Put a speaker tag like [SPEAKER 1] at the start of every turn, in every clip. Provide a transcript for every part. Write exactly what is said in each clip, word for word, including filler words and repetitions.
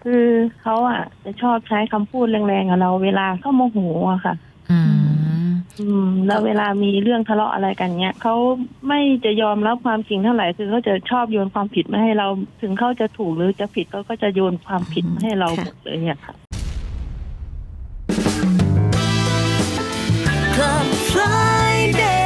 [SPEAKER 1] คือเขาอ่ะจะชอบใช้คำพูดแรงๆกับเราเวลาเขาโมโหอะค่ะ
[SPEAKER 2] อืม
[SPEAKER 1] อืมแล้วเวลามีเรื่องทะเลาะอะไรกันเนี้ยเขาไม่จะยอมรับความจริงเท่าไหร่คือเขาจะชอบโยนความผิดมาให้เราถึงเขาจะถูกหรือจะผิดเขาก็จะโยนความผิดมาให้เราหมดเลยอะค่ะ
[SPEAKER 3] Club Friday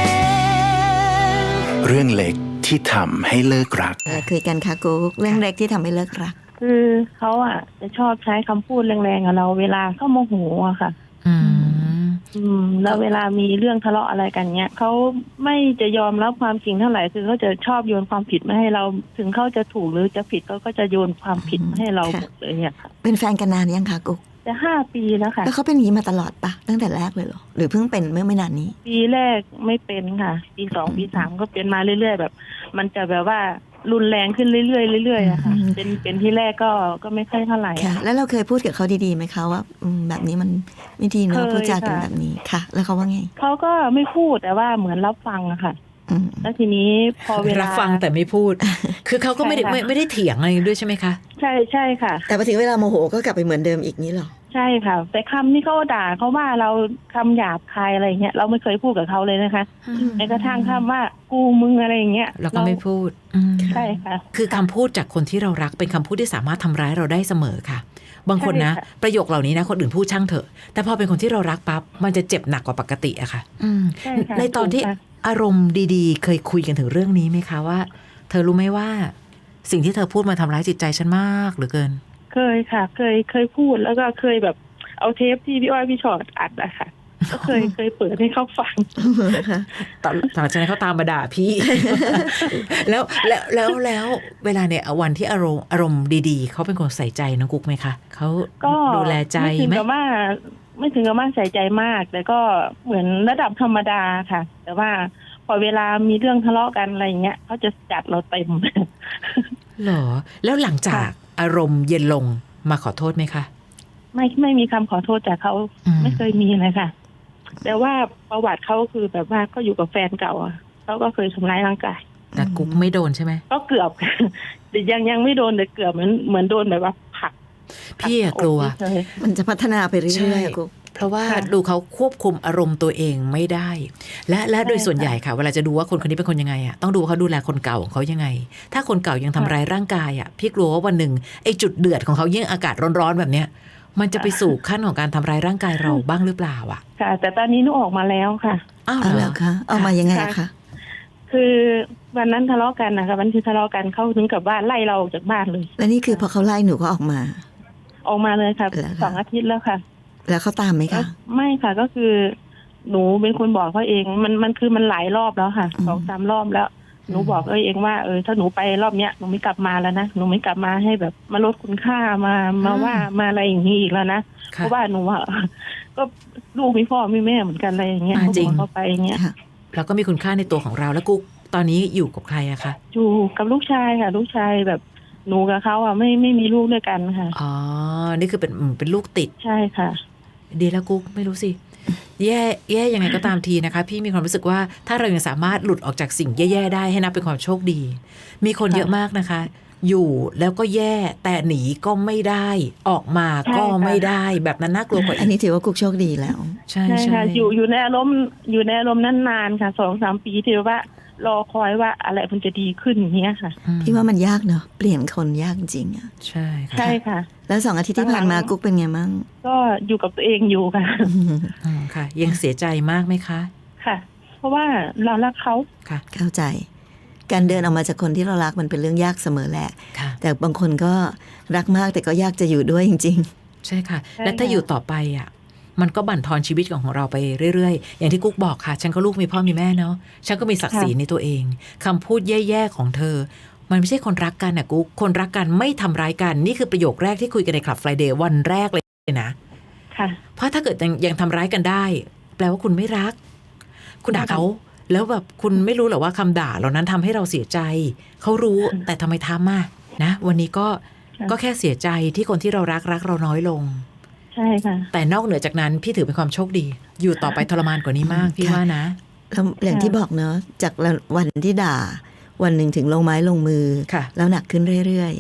[SPEAKER 4] เรื่องเล็กที่ทำให้เลิกรัก
[SPEAKER 3] อะไรคุยกันคะกุ๊กเรื่องเล็กที่ทำให้เลิกรัก
[SPEAKER 1] คือเขาอ่ะจะชอบใช้คำพูดแรงๆกับเราเวลาเขาโมโหอะค่ะ
[SPEAKER 2] อืม
[SPEAKER 1] อืมแล้วเวลามีเรื่องทะเลาะอะไรกันเนี้ยเขาไม่จะยอมรับความจริงเท่าไหร่คือเขาจะชอบโยนความผิดมาให้เราถึงเขาจะถูกหรือจะผิดเขาก็จะโยนความผิดมาให้เราหมดเลยอะค่ะ
[SPEAKER 3] เป็นแฟนกันนานยังคะกุ๊ก
[SPEAKER 1] จะห้าปีแล้วค่ะ
[SPEAKER 3] แล้วเขาเป็นอย่างนี้มาตลอดปะตั้งแต่แรกเลยเหรอหรือเพิ่งเป็นเมื่อไม่นานนี้
[SPEAKER 1] ปีแรกไม่เป็นค่ะปีสองปีสามก็เป็นมาเรื่อยๆแบบมันจะแบบว่ารุนแรงขึ้นเรื่อยๆเรื่อยๆอะค่ะเป็นเป็นที่แรกก็ก็ไม่ค่อยเท่าไหร่
[SPEAKER 3] ค่ะแล้วเราเคยพูดกับเขาดีๆไหมคะว่าอืมแบบนี้มันไม่ดีเนอะพูดจากันแบบนี้ค่ะแล้วเขาว่าไง
[SPEAKER 1] เขาก็ไม่พูดแต่ว่าเหมือนรับฟังอะค่ะแล้วทีนี้พอเวลา
[SPEAKER 2] รับฟังแต่ไม่พูดคือเขาก็ไม่ได้ไม่ไม่ได้เถียงอะไรด้วยใช่ไหมคะ
[SPEAKER 1] ใช่ใช่ค่ะ
[SPEAKER 3] แต่พอถึงเวลาโมโหก็กลับไปเหมือนเดิมอีกนี้หรอ
[SPEAKER 1] ใช่ค่ะแต่คำที่เขาด่าเขาว่าเราคำหยาบคายอะไรเงี้ยเราไม่เคยพูดกับเขาเลยนะคะแม้กระทั่งคำว่ากูมึงอะไรอย่างเงี้ย
[SPEAKER 2] เราก็ไม่พูด
[SPEAKER 1] ใช่ค่ะ
[SPEAKER 2] คือคำพูดจากคนที่เรารักเป็นคำพูดที่สามารถทำร้ายเราได้เสมอค่ะบางคนนะประโยคเหล่านี้นะคนอื่นพูดช่างเถอะแต่พอเป็นคนที่เรารักปั๊บมันจะเจ็บหนักกว่าปกติอะค่ะในตอนที่อารมณ์ดีๆเคยคุยกันถึงเรื่องนี้ไหมคะว่าเธอรู้ไหมว่าสิ่งที่เธอพูดมาทำร้ายจิตใจฉันมากเหลือเกิน
[SPEAKER 1] เคยค่ะเคยเคยพูดแล้วก็เคยแบบเอาเทปที่พี่อ้อยพี่ชอตอัดอะค่ะก็เคยเคยเปิดให้เขาฟัง
[SPEAKER 2] ตอนหลังจากนั้นเขาตามมาด่าพี่ แล้วแล้วแล้วแล้วเวลาเนี่ยวันที่อารมณ์อารมณ์ดีๆเขาเป็นคนใส่ใจน้องกุ๊กไหมคะเขาดูแลใจไหม
[SPEAKER 1] ไม่ถึงกับว่าไม่ถึงกับว่าใส่ใจมากแต่ก็เหมือนระดับธรรมดาค่ะแต่ว่าพอเวลามีเรื่องทะเลาะกันอะไรอย่างเงี้ยเขาจะจัดเราเต็ม
[SPEAKER 2] เหรอแล้วหลังจากอารมณ์เย็นลงมาขอโทษไหมคะ
[SPEAKER 1] ไม่ไม่มีคำขอโทษจากเขาไม่เคยมีเลยค่ะแต่ว่าประวัติเขาคือแบบว่าก็อยู่กับแฟนเก่าเขาก็เคยทำร้ายร่างกาย
[SPEAKER 2] แต่กุ๊กไม่โดนใช่ไหม
[SPEAKER 1] ก็เกือบแต่ยังยังไม่โดนแต่เกือบเหมือนเหมือนโดนแบบว่าผลัก
[SPEAKER 2] พี่กลัว
[SPEAKER 3] มันจะพัฒนาไปเรื่อยๆกุ๊ก
[SPEAKER 2] เพราะว่าดูเขาควบคุมอารมณ์ตัวเองไม่ได้และและโดยส่วนใหญ่ค่ะเวลาจะดูว่าคนคนนี้เป็นคนยังไงอ่ะต้องดูเขาดูแลคนเก่าของเขายังไงถ้าคนเก่ายังทำร้ายร่างกายอ่ะพี่กลัวว่าวันหนึ่งไอ้จุดเดือดของเขายิ่งอากาศร้อนๆแบบเนี้ยมันจะไปสู่ขั้นของการทำร้ายร่างกายเราบ้างหรือเปล่าอ่ะ
[SPEAKER 1] ค่ะแต่ตอนนี้หนูออกมาแล้วค่ะ
[SPEAKER 2] อ้าว
[SPEAKER 3] เหรอคะออกมายังไงคะ
[SPEAKER 1] คือวันนั้นทะเลาะกันนะคะวันที่ทะเลาะกันเขาถึงกับว่าไล่เราออกจากบ้านเลย
[SPEAKER 3] แล้วนี่คือพอเขาไล่หนูก็ออกมา
[SPEAKER 1] ออกมาเลยค่ะสองอาทิตย์แล้วค่ะ
[SPEAKER 3] แล้วเขาตามไหมคะ
[SPEAKER 1] ไม่ค่ะก็คือหนูเป็นคนบอกเขาเองมันมันคือมันหลายรอบแล้วค่ะสองสามรอบแล้วหนูบอกเองว่าเออถ้าหนูไปรอบเนี้ยหนูไม่กลับมาแล้วนะหนูไม่กลับมาให้แบบมาลดคุณค่ามามาว่ามาอะไรอย่างนี้อีกแล้วนะเพราะว่าหนูอ่ะก็ลูกมีพ่อมีแม่เหมือนกันอะไรอย่างเงี้ย
[SPEAKER 2] จริง
[SPEAKER 1] เขาไปอย่างเงี้ย
[SPEAKER 2] เราก็มีคุณค่าในตัวของเราแล้วกุ๊กตอนนี้อยู่กับใครอะคะ
[SPEAKER 1] อยู่กับลูกชายค่ะลูกชายแบบหนูกับเขาอ่ะไม่ไม่มีลูกด้วยกันค่ะ
[SPEAKER 2] อ๋อนี่คือเป็นเป็นลูกติด
[SPEAKER 1] ใช่ค่ะ
[SPEAKER 2] ดีแล้วกุ๊กไม่รู้สิแย่แย่ยังไงก็ตามทีนะคะพี่มีความรู้สึกว่าถ้าเรายังสามารถหลุดออกจากสิ่งแย่ๆได้ให้นับเป็นความโชคดีมีคนเยอะมากนะคะอยู่แล้วก็แย่แต่หนีก็ไม่ได้ออกมาก็ไม่ได้แบบนั้นน่ากลัวกว่า
[SPEAKER 3] อันนี้ถือว่ากุ๊กโชคดีแล้ว
[SPEAKER 2] ใช่
[SPEAKER 1] ใช่ค่ะอยู่อยู่ในอารมณ์อยู่ในอารมณ์นั้นนานค่ะสองสามปีที่ว่ารอคอยว่าอะไรมันจะดีขึ้นอย่างเงี้ยค่ะ
[SPEAKER 3] พี่ว่ามันยากเนาะเปลี่ยนคนยากจริงอ่ะ
[SPEAKER 2] ใช่ค่ะ
[SPEAKER 1] ใช่ค่ะ
[SPEAKER 3] แล้วสองอาทิตย์ที่ผ่านมากุ๊กเป็นไงมั่ง
[SPEAKER 1] ก็อยู่กับตัวเองอยู่ค่ะ
[SPEAKER 2] ค่ะยังเสียใจมากไหมคะ
[SPEAKER 1] ค่ะเพราะว่าเรารักเขา
[SPEAKER 2] ค่ะ
[SPEAKER 3] เข้าใจการเดินออกมาจากคนที่เรารักมันเป็นเรื่องยากเสมอแหละแต่บางคนก็รักมากแต่ก็ยากจะอยู่ด้วยจริง
[SPEAKER 2] ๆใช่ค่ะและถ้าอยู่ต่อไปอ่ะมันก็บั่นทอนชีวิตของเราไปเรื่อยๆอย่างที่กุ๊กบอกค่ะฉันก็ลูกมีพ่อมีแม่เนาะฉันก็มีศักดิ์ศรีในตัวเองคำพูดแย่ๆของเธอมันไม่ใช่คนรักกันนะกุ๊กคนรักกันไม่ทำร้ายกันนี่คือประโยคแรกที่คุยกันในคลับ Friday วันแรกเลยนะ
[SPEAKER 1] ค่ะ
[SPEAKER 2] เพราะถ้าเกิดยังยังทำร้ายกันได้แปลว่าคุณไม่รักคุณด่าเขาแล้วแบบคุณไม่รู้หรอว่าคำด่าเหล่านั้นทำให้เราเสียใจเขารู้แต่ทำไมทำอ่ะนะวันนี้ก็ก็แค่เสียใจที่คนที่เรารักรักเราน้อยลง
[SPEAKER 1] ใช่ค่ะ
[SPEAKER 2] แต่นอกเหนือจากนั้นพี่ถือเป็นความโชคดีอยู่ต่อไปทรมานกว่านี้มากพี่ว่านะ
[SPEAKER 3] แล้วอย่างที่บอกเนาะจากวันที่ด่าวันหนึ่งถึงลงไม้ลงมือแล้วหนักขึ้นเรื่อยๆ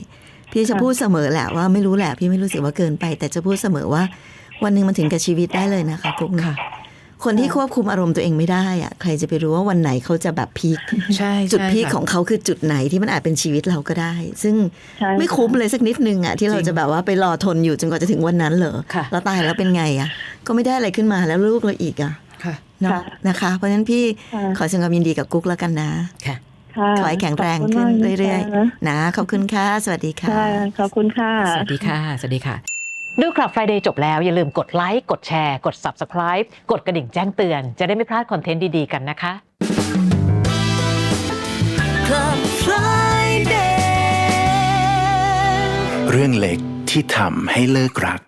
[SPEAKER 3] พี่จะพูดเสมอแหละว่าไม่รู้แหละพี่ไม่รู้สึกว่าเกินไป แต่จะพูดเสมอว่าวันหนึ่งมันถึงกับชีวิตได้เลยนะคะกุ๊กนะคนที่ควบคุมอารมณ์ตัวเองไม่ได้อะใครจะไปรู้ว่าวันไหนเขาจะแบบพีค
[SPEAKER 2] ใช่
[SPEAKER 3] จุดพีค
[SPEAKER 2] ใช่ค่ะ
[SPEAKER 3] ของเขาคือจุดไหนที่มันอาจเป็นชีวิตเราก็ได้ ซึ่ง
[SPEAKER 1] ใช่
[SPEAKER 3] ไม่คุ้มเลยสักนิดนึงอ่ะที่เรา
[SPEAKER 2] จริง
[SPEAKER 3] จะแบบว่าไปรอทนอยู่จนกว่าจะถึงวันนั้นเหรอ
[SPEAKER 2] ค่ะ
[SPEAKER 3] แล้วตายแล้วเป็นไงอ่ะก็ไม่ได้อะไรขึ้นมาแล้วลูกเราอีกอ่ะ
[SPEAKER 2] ค่ะ
[SPEAKER 3] เนาะนะคะ เพราะฉะนั้นพี่
[SPEAKER 1] ค่ะ
[SPEAKER 3] ขอแสดงความยินดีกับกุ๊กแล้วกันนะ
[SPEAKER 2] ค่ะ
[SPEAKER 1] ค่ะ
[SPEAKER 3] ขอให้แข็งแรงขึ้นเรื่อย
[SPEAKER 1] ๆนะ
[SPEAKER 3] ๆนะขอบคุณค่ะสวัสดีค่ะ
[SPEAKER 1] ค่ะขอบคุณค่ะ
[SPEAKER 2] สวัสดีค่ะ สวัสดีค่ะ
[SPEAKER 5] ดูคลับ Friday จบแล้วอย่าลืมกดไลค์กดแชร์กด Subscribe กดกระดิ่งแจ้งเตือน จะได้ไม่พลาดคอนเทนต์ดีๆกันนะคะ
[SPEAKER 3] Club Friday
[SPEAKER 4] เรื่องเล็กที่ทำให้เลิกรัก